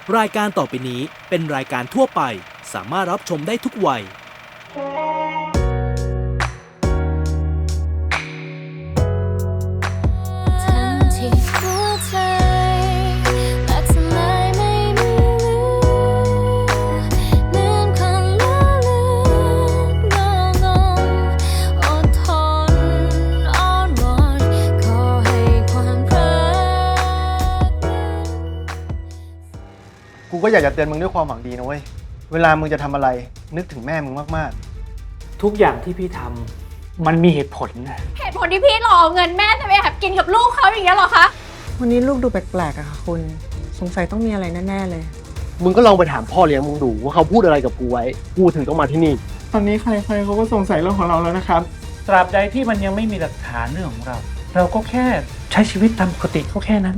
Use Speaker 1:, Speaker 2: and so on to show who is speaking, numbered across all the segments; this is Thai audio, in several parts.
Speaker 1: รายการต่อไปนี้เป็นรายการทั่วไปสามารถรับชมได้ทุกวัย
Speaker 2: ทั้งที่หัวใจและทำไมไม่มีเหมือนคนละเลือนงองอดทนอ้อนวอนขอให้ความรัก
Speaker 3: กูก็อยากจะเตือนมึงด้วยความหวังดีนะเว้ย เวลามึงจะทำอะไรนึกถึงแม่มึงมาก
Speaker 4: ทุกอย่างที่พี่ทำมันมีเหตุผลนะ
Speaker 5: เหตุผลที่พี่หลอกเงินแม่จะไปแอบกินกับลูกเขาอย่างเงี้ยเหรอคะ
Speaker 6: วันนี้ลูกดูแปลกๆอะค่ะคุณ สงสัยต้องมีอะไรแน่ๆเลย
Speaker 7: มึงก็ลองไปถามพ่อเลี้ยงมึงดูว่าเขาพูดอะไรกับกูไว้ กูถึงต้องมาที่นี่
Speaker 8: ตอนนี้ใครๆเขาก็สงสัยเรื่องของเราแล้วนะครับ
Speaker 4: ตราบใดที่มันยังไม่มีหลักฐานเรื่องของเรา เราก็แค่ใช้ชีวิตตามปกติก็แค่นั้น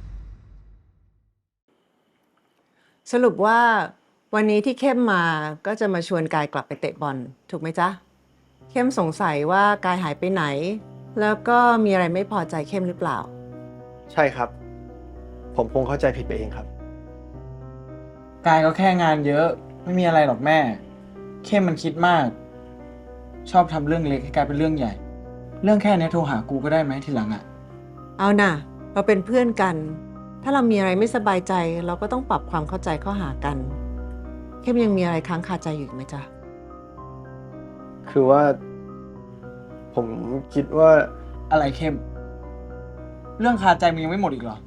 Speaker 6: สรุปว่าวันนี้ที่เข้มมาก็จะมาชวนกายกลับไปเตะบอลถูกไหมจ๊ะ เข้มสงสัยว่ากายหายไปไหน แล้วก็มีอะไรไม่พอใจเข้มหรือเปล่า
Speaker 3: ๆ ใช่ครับ ผมคงเข้าใจผิดไปเองครับ
Speaker 8: กายก็แค่งานเยอะ ไม่มีอะไรหรอกแม่ เข้มมันคิดมาก ชอบทำเรื่องเล็กให้กลายเป็นเรื่องใหญ่ เรื่องแค่นี้โทรหากูก็ได้ไหมทีหลังอะ
Speaker 6: เอาน่ะ เราเป็นเพื่อนกัน ถ้าเรามีอะไรไม่สบายใจ เราก็ต้องปรับความเข้าใจเข้าหากัน เข้มยังมีอะไรค้างคาใจอยู่อีกไหมจ๊ะ
Speaker 3: คือว่า ผมคิดว่า
Speaker 8: อะไรเข้ม เรื่องคาใจมึงยังไม่หมดอีกเหรอ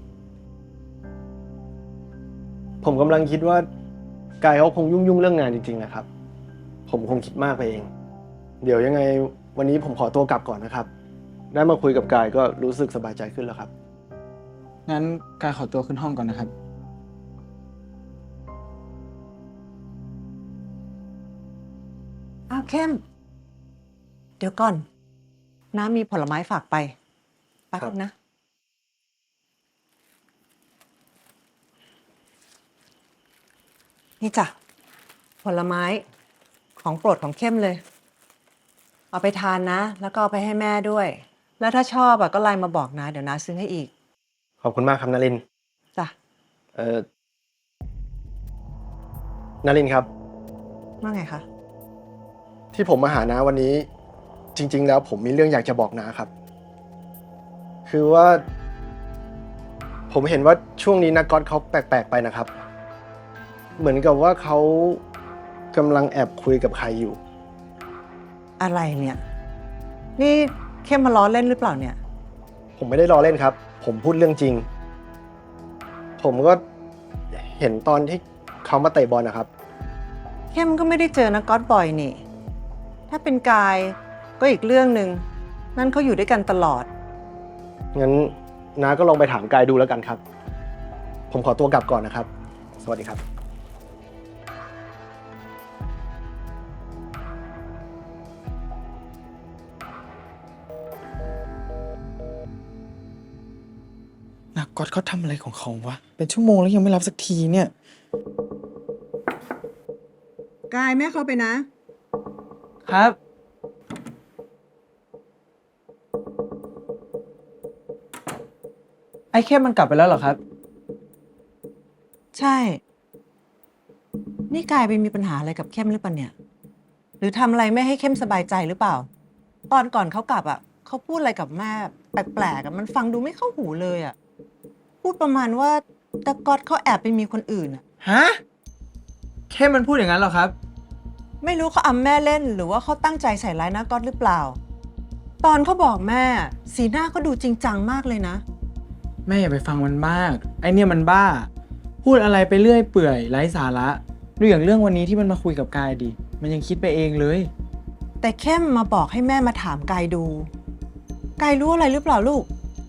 Speaker 3: ผมกำลังคิดว่ากายเขาคงยุ่งเรื่องงานจริงๆนะครับ ผมคงคิดมากไปเอง เดี๋ยวยังไงวันนี้ผมขอตัวกลับก่อนนะครับ ได้มาคุยกับกายก็รู้สึกสบายใจขึ้นแล้วครับ
Speaker 8: งั้นกายขอตัวขึ้นห้องก่อนนะครับ
Speaker 6: อ้าวเข้ม เดี๋ยวก่อน น้ามีผลไม้ฝากไปแป๊บนึงนะ นี่จ้ะ ผลไม้ของโปรดของเข้มเลย เอาไปทานนะ แล้วก็เอาไปให้แม่ด้วย แล้วถ้าชอบก็ไลน์มาบอกนะ เดี๋ยวน้าซื้อให้อีก
Speaker 3: ขอบคุณมากครับนลินทร์
Speaker 6: จ้ะ
Speaker 3: นลินทร์ครับ
Speaker 6: ว่าไงคะ
Speaker 3: ที่ผมมาหาน้าวันนี้ จริง ๆ แล้วผมมีเรื่องอยากจะบอกน้าครับ คือว่า ผมเห็นว่าช่วงนี้นักก๊อตเขาแปลกๆไปนะครับ เหมือนกับว่าเขากำลังแอบคุยกับใครอยู่
Speaker 6: อะไรเนี่ย นี่เข้มมาล้อเล่นหรือเปล่าเนี่ย
Speaker 3: ผมไม่ได้ล้อเล่นครับ ผมพูดเรื่องจริง ผมก็เห็นตอนที่เขามาเตะบอลนะครับ
Speaker 6: เข้มก็ไม่ได้เจอนักก๊อตบ่อยนี่ ถ้าเป็นกายก็อีกเรื่องหนึ่ง นั่นเขาอยู่ด้วยกันตลอด
Speaker 3: งั้นน้าก็ลองไปถามกายดูแล้วกันครับ ผมขอตัวกลับก่อนนะครับ สวัสดีครับ
Speaker 8: นักก๊อตเขาทำอะไรของเขาวะ เป็นชั่วโมงแล้วยังไม่รับสักทีเนี่ย
Speaker 6: กายแม่เข้าไปนะ
Speaker 8: ครับ ไอ้เข้มมันกลับไปแล้วเหรอครับ
Speaker 6: ใช่ นี่กายไปมีปัญหาอะไรกับเข้มหรือเปล่าเนี่ย หรือทำอะไรไม่ให้เข้มสบายใจหรือเปล่า ตอนก่อนเขากลับเขาพูดอะไรกับแม่แปลกๆมันฟังดูไม่เข้าหูเลยพูดประมาณว่าตะก๊อตเขาแอบไปมีคนอื่น
Speaker 8: ฮะ เข้มมันพูดอย่างนั้นเหรอครับ
Speaker 6: ไม่รู้เขาอำแม่เล่นหรือว่าเขาตั้งใจใส่ร้ายนะก๊อตหรือเปล่า ตอนเขาบอกแม่ สีหน้าเขาดูจริงจังมากเลยนะ
Speaker 8: แม่อย่าไปฟังมันมาก ไอเนี่ยมันบ้า พูดอะไรไปเรื่อยเปื่อยไร้สาระดูอย่างเรื่องวันนี้ที่มันมาคุยกับกายดิ มันยังคิดไปเองเลย
Speaker 6: แต่เข้มมาบอกให้แม่มาถามกายดู กายรู้อะไรหรือเปล่าลูก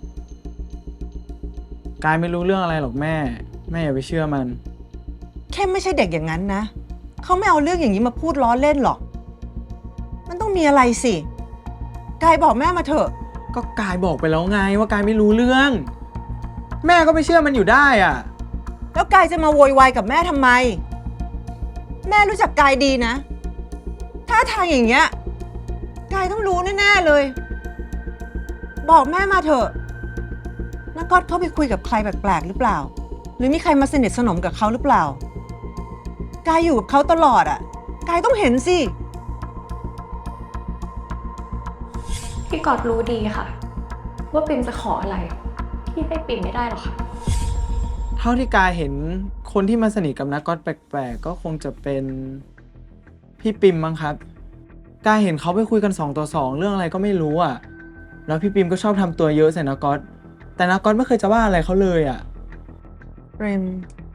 Speaker 8: กายไม่รู้เรื่องอะไรหรอกแม่ แม่อย่าไปเชื่อมัน
Speaker 6: เข้มไม่ใช่เด็กอย่างนั้นนะ เขาไม่เอาเรื่องอย่างนี้มาพูดล้อเล่นหรอก มันต้องมีอะไรสิ กายบอกแม่มาเถอะ
Speaker 8: ก็กายบอกไปแล้วไงว่ากายไม่รู้เรื่อง แม่ก็ไม่เชื่อมันอยู่ได้อ่ะ
Speaker 6: แล้วกายจะมาโวยวายกับแม่ทำไม แม่รู้จักกายดีนะ ถ้าทางอย่างเงี้ย กายต้องรู้แน่ๆเลย บอกแม่มาเถอะนักก๊อตเขาไปคุยกับใครแปลกๆหรือเปล่ารือมีใครมาสนิทสนมกับเขาหรือเปล่า กายอยู่กับเขาตลอดอ่ะ กายต้องเห็นสิ
Speaker 5: พี่กอดรู้ดีค่ะ ว่าปิมจะขออะไร พี่ให้ปิมไม่ได้หรอกค่ะ
Speaker 8: เท่าที่กายเห็นคนที่มาสนิทกับนักก๊อตแปลกๆก็คงจะเป็นพี่ปิมมั้งครับ กายเห็นเขาไปคุยกัน2 ต่อ 2เรื่องอะไรก็ไม่รู้อ่ะ แล้วพี่ปิมก็ชอบทำตัวเยอะใส่นักก๊อตแต่นักก๊อตไม่เคยจะว่าอะไรเขาเลยอ่ะ
Speaker 6: เปรม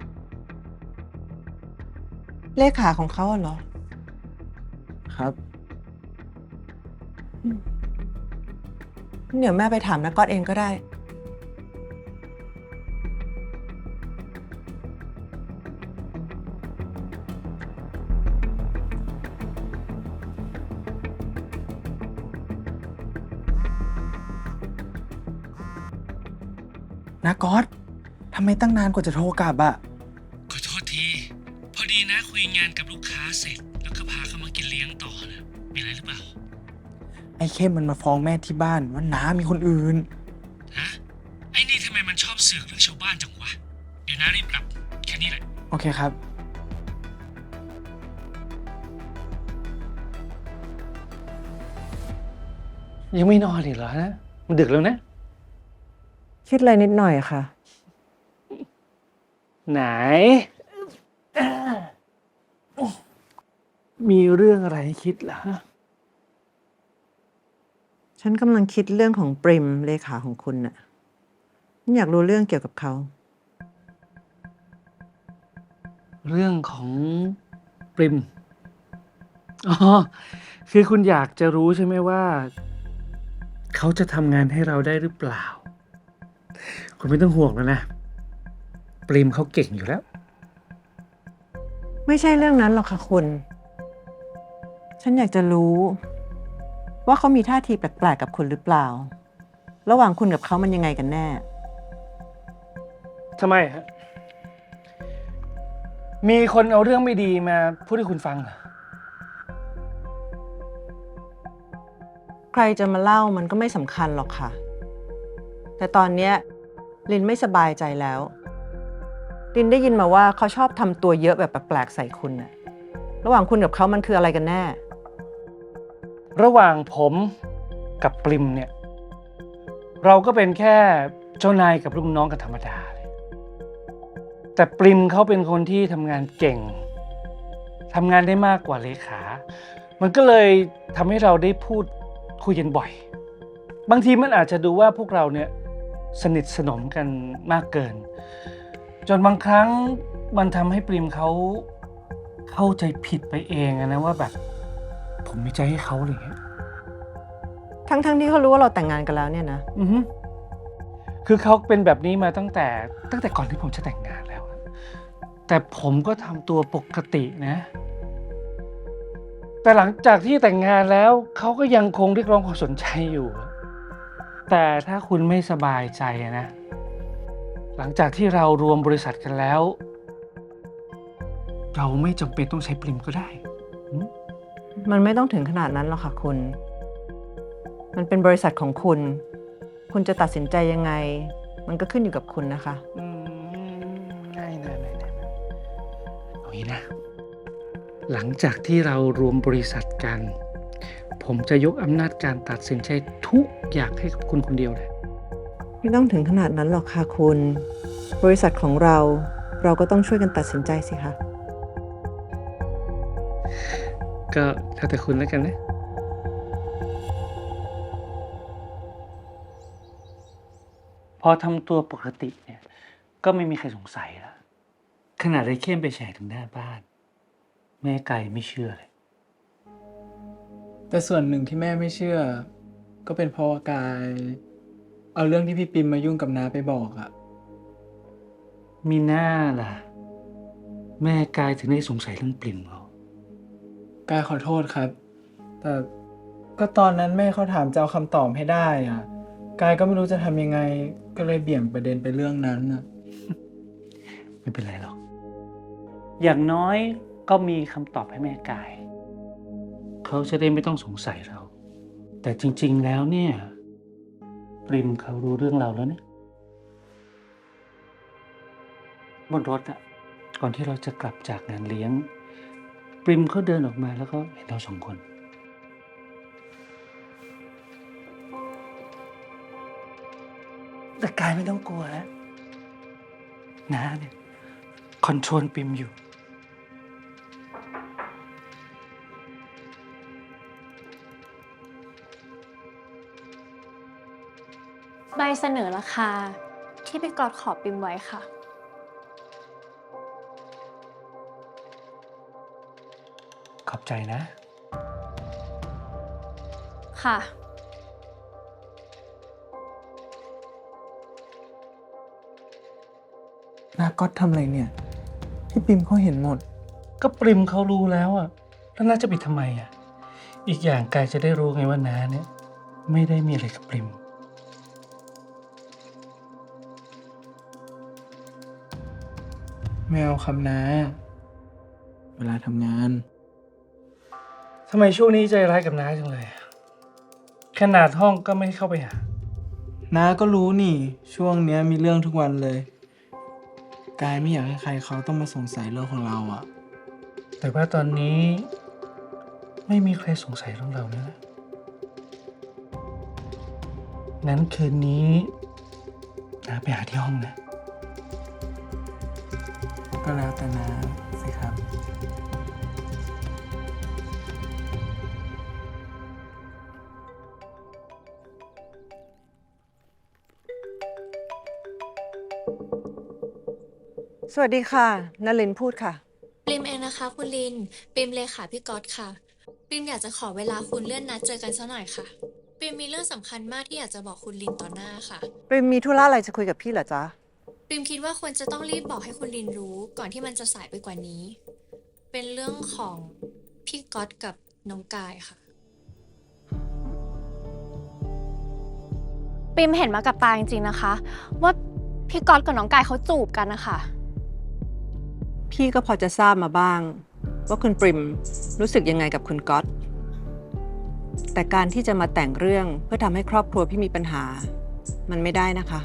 Speaker 6: เลขาของเขาอะเหรอ
Speaker 8: ครับ
Speaker 6: เดี๋ยวแม่ไปถามนักก๊อตเองก็ได้
Speaker 8: นักก๊อตทำไมตั้งนานกว่าจะโทรกลับอ่ะ
Speaker 1: ขอโทษที พอดีนะคุยงานกับลูกค้าเสร็จ แล้วก็พาเขามากินเลี้ยงต่อนะมีอะไรหรือเปล่า
Speaker 8: ไอ้เข้มมันมาฟ้องแม่ที่บ้านว่าน้ามีคนอื่น
Speaker 1: ฮะ ไอ้นี่ทำไมมันชอบเสือกเรื่องชาวบ้านจังวะ เดี๋ยวนะรีบกลับ แค่นี้แหละ
Speaker 8: โอเคครับ
Speaker 7: ยังไม่นอนอีกเหรอฮะมันดึกแล้วนะ
Speaker 6: คิดอะไรนิดหน่อยค่ะ
Speaker 7: ไหน มีเรื่องอะไรให้คิดล่ะ
Speaker 6: ฉันกำลังคิดเรื่องของปริมเลขาของคุณน่ะฉันอยากรู้เรื่องเกี่ยวกับเขา
Speaker 7: เรื่องของปริม อ๋อ คือคุณอยากจะรู้ใช่ไหมว่า เขาจะทำงานให้เราได้หรือเปล่า คุณไม่ต้องห่วงแล้วนะ ปริมเขาเก่งอยู่แล้ว
Speaker 6: ไม่ใช่เรื่องนั้นหรอกค่ะคุณ ฉันอยากจะรู้ ว่าเขามีท่าทีแปลกๆกับคุณหรือเปล่า ระหว่างคุณกับเขามันยังไงกันแน่
Speaker 7: ทำไมฮะ มีคนเอาเรื่องไม่ดีมาพูดให้คุณฟังเหรอ
Speaker 6: ใครจะมาเล่ามันก็ไม่สำคัญหรอกค่ะ แต่ตอนเนี้ยลินไม่สบายใจแล้ว ลินได้ยินมาว่าเขาชอบทำตัวเยอะแบบแปลกๆใส่คุณน่ะ ระหว่างคุณกับเขามันคืออะไรกันแน่
Speaker 7: ระหว่างผมกับปริมเนี่ย เราก็เป็นแค่เจ้านายกับลูกน้องกันธรรมดาเลยแต่ปริมเขาเป็นคนที่ทำงานเก่งทำงานได้มากกว่าเลขา มันก็เลยทำให้เราได้พูดคุยกันบ่อย บางทีมันอาจจะดูว่าพวกเราเนี่ยสนิทสนมกันมากเกิน จนบางครั้งมันทำให้ปริมเขาเข้าใจผิดไปเองอะนะว่าแบบผมมีใจให้เขาอะไรอย่างเงี้ย
Speaker 6: ทั้งๆที่เขารู้ว่าเราแต่งงานกันแล้วเนี่ยนะ
Speaker 7: อือฮึคือเขาเป็นแบบนี้มาตั้งแต่ก่อนที่ผมจะแต่งงานแล้วอะแต่ผมก็ทำตัวปกตินะ แต่หลังจากที่แต่งงานแล้วเขาก็ยังคงเรียกร้องความสนใจอยู่อะแต่ถ้าคุณไม่สบายใจนะ หลังจากที่เรารวมบริษัทกันแล้ว เราไม่จำเป็นต้องใช้ปริมก็ได้อืม
Speaker 6: มันไม่ต้องถึงขนาดนั้นหรอกค่ะคุณ มันเป็นบริษัทของคุณ คุณจะตัดสินใจยังไง มันก็ขึ้นอยู่กับคุณนะคะ
Speaker 7: ง่ายนะเอางี้นะ หลังจากที่เรารวมบริษัทกัน ผมจะยกอำนาจการตัดสินใจทุกอย่างให้กับคุณคนเดียวเลย
Speaker 6: ไม่ต้องถึงขนาดนั้นหรอกค่ะคุณ บริษัทของเราก็ต้องช่วยกันตัดสินใจสิคะ
Speaker 7: ก็แล้วแต่คุณแล้วกันนะ พอทำตัวปกติเนี่ย ก็ไม่มีใครสงสัยแล้ว ขนาดไอ้เข้มไปแฉถึงหน้าบ้าน แม่ไก่ไม่เชื่อเลย
Speaker 8: แต่ส่วนหนึ่งที่แม่ไม่เชื่อ ก็เป็นเพราะว่ากาย เอาเรื่องที่พี่ปิมมายุ่งกับน้าไปบอกอะ
Speaker 7: มีหน้าล่ะ แม่กายถึงได้สงสัยเรื่องปลิ่มเรา
Speaker 8: กายขอโทษครับ แต่ก็ตอนนั้นแม่เขาถามจะเอาคำตอบให้ได้อะกายก็ไม่รู้จะทำยังไง ก็เลยเบี่ยงประเด็นไปเรื่องนั้นอะ
Speaker 7: ไม่เป็นไรหรอก อย่างน้อยก็มีคำตอบให้แม่กาย เขาจะได้ไม่ต้องสงสัยเรา แต่จริงๆแล้วเนี่ย ปริมเขารู้เรื่องเราแล้วเนี่ยบนรถอะก่อนที่เราจะกลับจากงานเลี้ยง ปริมเขาเดินออกมาแล้วก็เห็นเราสองคน แต่กายไม่ต้องกลัวนะน้าเนี่ยคอนโทรลปริมอยู่
Speaker 5: ใบเสนอราคาที่พี่กอดขอปิมไว้ค่ะ
Speaker 7: ขอบใจนะ
Speaker 5: ค่ะ
Speaker 8: นาก๊อตทำอะไรเนี่ย พี่ปิมเขาเห็นหมด
Speaker 7: ก็ปริมเขารู้แล้วอะแล้วน้าจะปิดทำไมอะอีกอย่างกายจะได้รู้ไงว่าน้าเนี่ย ไม่ได้มีอะไรกับปริม
Speaker 8: ไม่เอาคำนาเวลาทำงาน
Speaker 7: ทำไมช่วงนี้ใจร้ายกับน้าจังเลยอะขนาดห้องก็ไม่เข้าไปหา
Speaker 8: น้าก็รู้นี่ ช่วงเนี้ยมีเรื่องทุกวันเลย กายไม่อยากให้ใครเขาต้องมาสงสัยเรื่องของเราอะ
Speaker 7: แต่ว่าตอนนี้ไม่มีใครสงสัยเรื่องเรานะงั้นคืนนี้น้าไปหาที่ห้องนะ
Speaker 8: ก็แล้วแต่น้าสิครับ
Speaker 6: สวัสดีค่ะนลินพูดค่ะ
Speaker 9: ปริมเองนะคะคุณลินปริมเลขาพี่ก๊อตค่ะปริมอยากจะขอเวลาคุณเลื่อนนัดเจอกันสักหน่อยค่ะปริมมีเรื่องสำคัญมากที่อยากจะบอกคุณลินต่อหน้าค่ะ
Speaker 6: ปริมมีธุระอะไรจะคุยกับพี่เหรอจ๊ะ
Speaker 9: ปริมคิดว่าควรจะต้องรีบบอกให้คุณลินรู้ก่อนที่มันจะสายไปกว่านี้ เป็นเรื่องของพี่ก๊อตกับน้องกายค่ะ
Speaker 5: ปิมเห็นมากับตาจริงๆนะคะ ว่าพี่กอดกับน้องกายเขาจูบกันนะคะ
Speaker 6: พี่ก็พอจะทราบมาบ้าง ว่าคุณปริมรู้สึกยังไงกับคุณก๊อตแต่การที่จะมาแต่งเรื่องเพื่อทำให้ครอบครัวพี่มีปัญหา มันไม่ได้นะคะ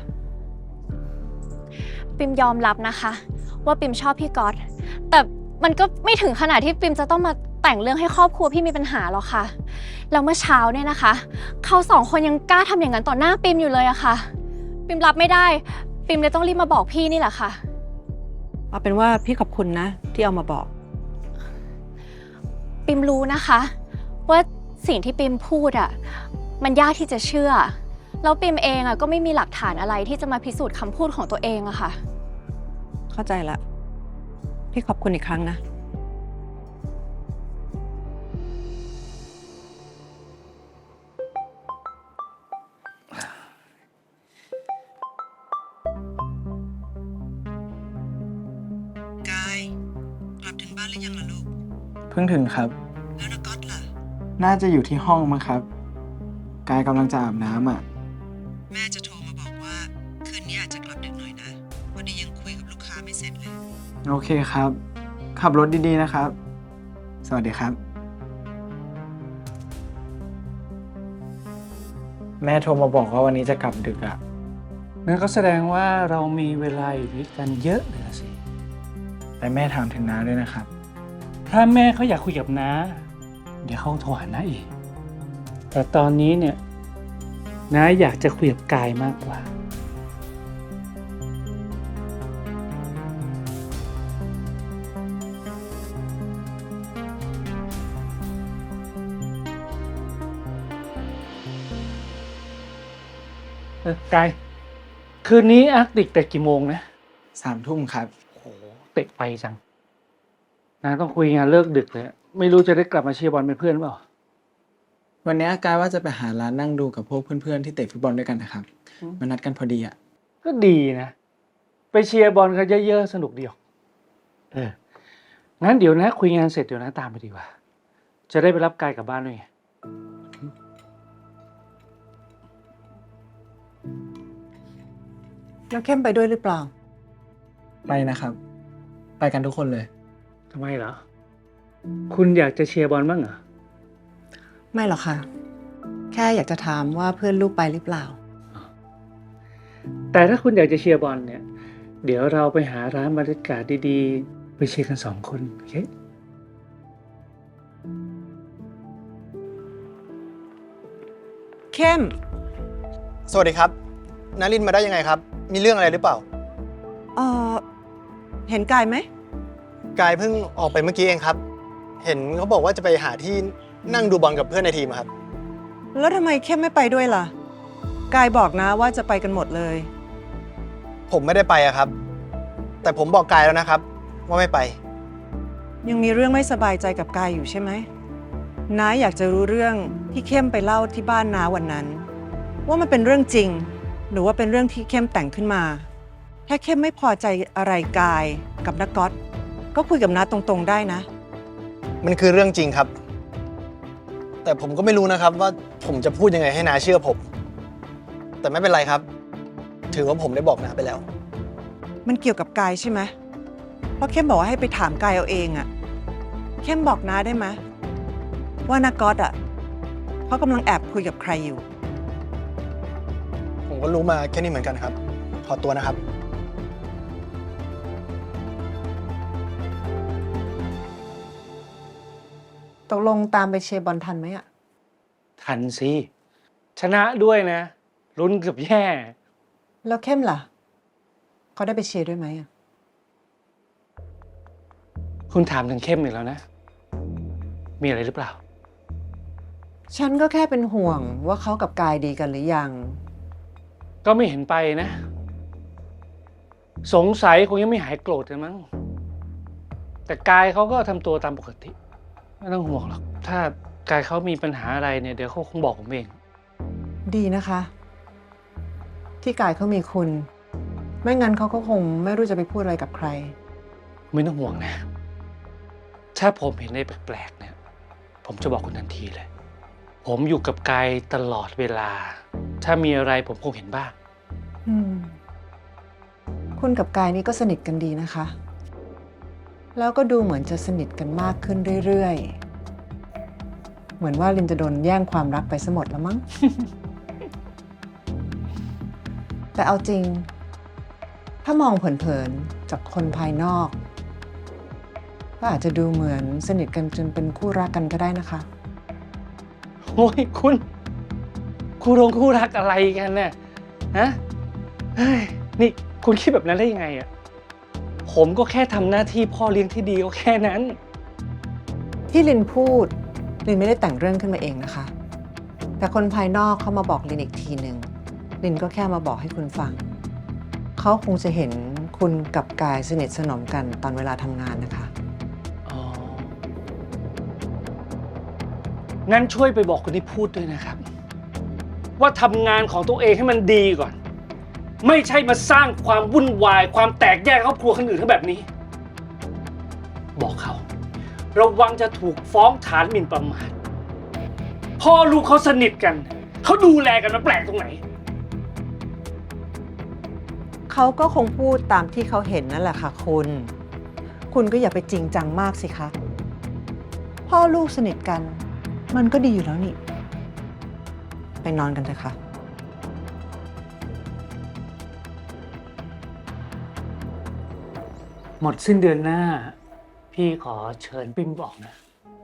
Speaker 5: ปิมยอมรับนะคะ ว่าปิมชอบพี่ก๊อตแต่มันก็ไม่ถึงขนาดที่ปิมจะต้องมาแต่งเรื่องให้ครอบครัวพี่มีปัญหาหรอกค่ะแล้วเมื่อเช้าเนี่ยนะคะเขาสองคนยังกล้าทำอย่างนั้นต่อหน้าปิมอยู่เลยอะค่ะ ปิมรับไม่ได้ปิมเลยต้องรีบมาบอกพี่นี่แหละค่ะ
Speaker 6: เอาเป็นว่าพี่ขอบคุณนะ ที่เอามาบอก
Speaker 5: ปิมรู้นะคะว่าสิ่งที่ปิมพูดอะมันยากที่จะเชื่อแล้วปิมเองอะก็ไม่มีหลักฐานอะไรที่จะมาพิสูจน์คำพูดของตัวเองอะค่ะ
Speaker 6: เข้าใจละ พี่ขอบคุณอีกครั้งนะ กาย กลับถึงบ้านหรือยังล่ะลูก
Speaker 8: เพิ่งถึงครับ
Speaker 6: แล้วนักก๊อตล่ะ
Speaker 8: น่าจะอยู่ที่ห้องมั้งครับ กายกำลังจะอาบน้ำอ่ะ
Speaker 6: แม่จะโทรมาบอกว่า คืนนี้อาจจะกลับดึกหน่อยนะวันนี้ยังคุยกับลูกค้าไม่เสร็จเลย
Speaker 8: โอเคครับ ขับรถดีๆนะครับ สวัสดีครับ แม่โทรมาบอกว่าวันนี้จะกลับดึกอ่ะ
Speaker 7: นั่นก็แสดงว่าเรามีเวลาอยู่ด้วยกันเยอะเลยนะสิ
Speaker 8: แต่แม่ถามถึงน้าด้วยนะครับ
Speaker 7: ถ้าแม่เขาอยากคุยกับน้า เดี๋ยวเขาโทรหาน้าเอง แต่ตอนนี้เนี่ยน้าอยากจะคุยกับกายมากกว่า กาย คืนนี้อาร์กติกแต่กี่โมงนะ
Speaker 8: 3 ทุ่มครับ
Speaker 7: โอ้โหเตะไปจังน้าต้องคุยงานเลิกดึกเลย ไม่รู้จะได้กลับมาเชียร์บอลเป็นเพื่อนเปล่า
Speaker 8: วันนี้กายว่าจะไปหาร้านนั่งดูกับพวกเพื่อนๆที่เตะฟุตบอลด้วยกันนะครับ
Speaker 7: อืม
Speaker 8: มานัดกันพอดีอ่ะ
Speaker 7: ก็ดีนะ ไปเชียร์บอลกันเยอะๆ สนุกดีออกงั้นเดี๋ยวนะ คุยงานเสร็จเดี๋ยวนะตามไปดีกว่า จะได้ไปรับกายกลับบ้านด้วยไง
Speaker 6: แล้วเข้มไปด้วยหรือเปล่า
Speaker 8: ไปนะครับ ไปกันทุกคนเลย
Speaker 7: ทำไมเหรอ คุณอยากจะเชียร์บอลบ้างเหรอ
Speaker 6: ไม่หรอกค่ะ แค่อยากจะถามว่าเพื่อนลูกไปหรือเปล่า
Speaker 7: แต่ถ้าคุณอยากจะเชียร์บอลเนี่ยเดี๋ยวเราไปหาร้านบรรยากาศดีๆ ไปเชียร์กัน2 คนโอเค
Speaker 6: เข้ม
Speaker 3: สวัสดีครับนารินมาได้ยังไงครับ มีเรื่องอะไรหรือเปล่า
Speaker 6: เออเห็นกายไหม
Speaker 3: กายเพิ่งออกไปเมื่อกี้เองครับ เห็นเขาบอกว่าจะไปหาที่นั่งดูบอลกับเพื่อนในทีมอะครับ
Speaker 6: แล้วทำไมเข้มไม่ไปด้วยล่ะ กายบอกนะว่าจะไปกันหมดเลย
Speaker 3: ผมไม่ได้ไปอะครับ แต่ผมบอกกายแล้วนะครับ ว่าไม่ไป
Speaker 6: ยังมีเรื่องไม่สบายใจกับกายอยู่ใช่ไหมน้าอยากจะรู้เรื่องที่เข้มไปเล่าที่บ้านน้าวันนั้น ว่ามันเป็นเรื่องจริง หรือว่าเป็นเรื่องที่เข้มแต่งขึ้นมา ถ้าเข้มไม่พอใจอะไรกายกับนักก๊อตก็คุยกับน้าตรงๆได้นะ
Speaker 3: มันคือเรื่องจริงครับ แต่ผมก็ไม่รู้นะครับว่าผมจะพูดยังไงให้นาเชื่อผม แต่ไม่เป็นไรครับ ถือว่าผมได้บอกนาไปแล้ว
Speaker 6: มันเกี่ยวกับกายใช่ไหมเพราะเข้มบอกว่าให้ไปถามกายเอาเองอะเข้มบอกน้าได้ไหมว่านักก๊อตอะเขากำลังแอบคุยกับใครอยู่
Speaker 3: ผมก็รู้มาแค่นี้เหมือนกันครับ ขอตัวนะครับ
Speaker 6: ตกลงตามไปเชียร์บอลทันไหมอะ
Speaker 7: ทันสิ ชนะด้วยนะ ลุ้นเกือบแย่
Speaker 6: แล้วเข้มล่ะเขาได้ไปเชียร์ด้วยไหมอะ
Speaker 7: คุณถามถึงเข้มอีกแล้วนะ มีอะไรหรือเปล่า
Speaker 6: ฉันก็แค่เป็นห่วงว่าเขากับกายดีกันหรือยัง
Speaker 7: ก็ไม่เห็นไปนะ สงสัยคงยังไม่หายโกรธกันมั้ง แต่กายเขาก็ทำตัวตามปกติ ไม่ต้องห่วงหรอก ถ้ากายเขามีปัญหาอะไรเนี่ยเดี๋ยวเขาคงบอกผมเอง
Speaker 6: ดีนะคะ ที่กายเขามีคุณ ไม่งั้นเขาก็คงไม่รู้จะไปพูดอะไรกับใคร
Speaker 7: ไม่ต้องห่วงนะ ถ้าผมเห็นอะไรแปลกๆเนี่ย ผมจะบอกคุณทันทีเลย ผมอยู่กับกายตลอดเวลา ถ้ามีอะไรผมคงเห็นบ้าง
Speaker 6: อืม คุณกับกายนี่ก็สนิทกันดีนะคะ แล้วก็ดูเหมือนจะสนิทกันมากขึ้นเรื่อยๆ เหมือนว่าลินจะโดนแย่งความรักไปซะหมดแล้วมั้ง แต่เอาจริง ถ้ามองเผินๆจากคนภายนอก ก็อาจจะดูเหมือนสนิทกันจนเป็นคู่รักกันก็ได้นะคะ
Speaker 7: โอ้ยคุณคู่รักอะไรกันเนี่ยฮะเฮ้ยนี่คุณคิดแบบนั้นได้ยังไงอ่ะผมก็แค่ทำหน้าที่พ่อเลี้ยงที่ดีก็แค่นั้น
Speaker 6: ที่ลินพูดลินไม่ได้แต่งเรื่องขึ้นมาเองนะคะ แต่คนภายนอกเขามาบอกลินอีกทีหนึ่งลินก็แค่มาบอกให้คุณฟัง เขาคงจะเห็นคุณกับกายสนิทสนมกันตอนเวลาทำงานนะคะ
Speaker 7: อ๋อ งั้นช่วยไปบอกคนที่พูดด้วยนะครับ ว่าทำงานของตัวเองให้มันดีก่อน ไม่ใช่มาสร้างความวุ่นวาย ความแตกแยกครอบครัวคนอื่นเขาแบบนี้ บอกเขาระวังจะถูกฟ้องฐานหมิ่นประมาทพ่อลูกเขาสนิทกัน เขาดูแลกันมาแปลกตรงไหน
Speaker 6: เขาก็คงพูดตามที่เขาเห็นนั่นแหละค่ะคุณก็อย่าไปจริงจังมากสิคะ พ่อลูกสนิทกัน มันก็ดีอยู่แล้วนี่ ไปนอนกันเถอะค่ะ
Speaker 7: หมดสิ้นเดือนหน้า พี่ขอเชิญปิมบอกนะ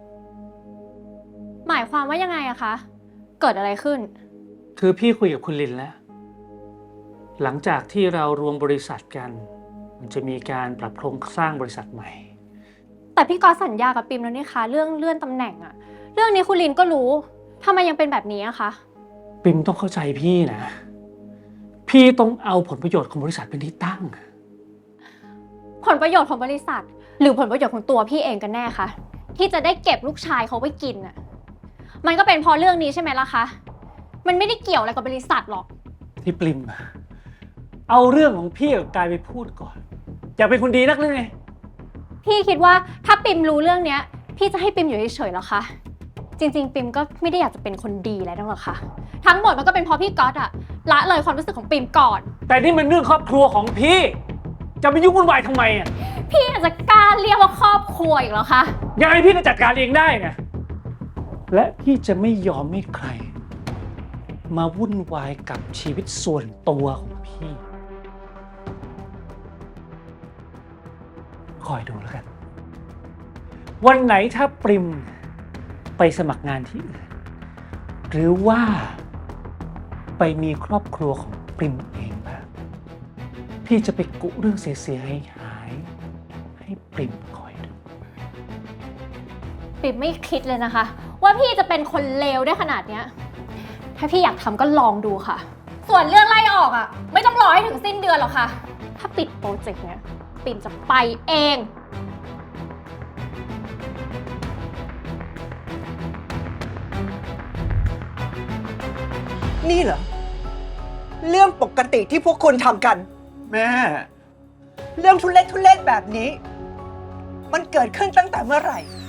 Speaker 5: หมายความว่ายังไงอะคะ เกิดอะไรขึ้น
Speaker 7: คือพี่คุยกับคุณลินแล้ว หลังจากที่เรารวมบริษัทกัน มันจะมีการปรับโครงสร้างบริษัทใหม่
Speaker 5: แต่พี่ก๊อตสัญญากับปิมแล้วนี่คะเรื่องเลื่อนตำแหน่งอะเรื่องนี้คุณลินก็รู้ทำไมยังเป็นแบบนี้อะคะ
Speaker 7: ปิมต้องเข้าใจพี่นะ พี่ต้องเอาผลประโยชน์ของบริษัทเป็นที่ตั้ง
Speaker 5: ผลประโยชน์ของบริษัท หรือผลประโยชน์ของตัวพี่เองกันแน่คะที่จะได้เก็บลูกชายเขาไว้กินอะมันก็เป็นเพราะเรื่องนี้ใช่ไหมล่ะคะมันไม่ได้เกี่ยวอะไรกับบริษัทหรอก
Speaker 7: ที่ปริมเอาเรื่องของพี่กับกายไปพูดก่อน อยากเป็นคนดีนักหรือไง
Speaker 5: พี่คิดว่าถ้าปิมรู้เรื่องเนี้ยพี่จะให้ปิมอยู่เฉยๆเหรอคะจริงๆปิมก็ไม่ได้อยากจะเป็นคนดีอะไรนั่นหรอกค่ะทั้งหมดมันก็เป็นเพราะพี่ก๊อตอะละเลยความรู้สึกของปิมก่อน
Speaker 7: แต่นี่มันเรื่องครอบครัวของพี่ จะไปยุ่งวุ่นวายทำไมอ่ะ
Speaker 5: พี่อาจจะกล้าเรียกว่าครอบครัวอีกเหรอคะ
Speaker 7: ยังไงพี่ก็จัดการเองได้ไงและพี่จะไม่ยอมให้ใคร มาวุ่นวายกับชีวิตส่วนตัวของพี่คอยดูแล้วกัน วันไหนถ้าปริมไปสมัครงานที่อื่น หรือว่าไปมีครอบครัวของปริมเองบ้างพี่จะไปกุเรื่องเสียหายให้ปริมคอยดู
Speaker 5: ปิ่มไม่คิดเลยนะคะ ว่าพี่จะเป็นคนเลวได้ขนาดเนี้ย ถ้าพี่อยากทำก็ลองดูค่ะ ส่วนเรื่องไล่ออกอ่ะ ไม่ต้องรอให้ถึงสิ้นเดือนหรอกค่ะ ถ้าปิดโปรเจกต์เนี้ยปิ่มจะไปเอง
Speaker 6: นี่เหรอ เรื่องปกติที่พวกคุณทำกัน
Speaker 8: แม่
Speaker 6: เรื่องทุเล็กแบบนี้ มันเกิดขึ้นตั้งแต่เมื่อไหร่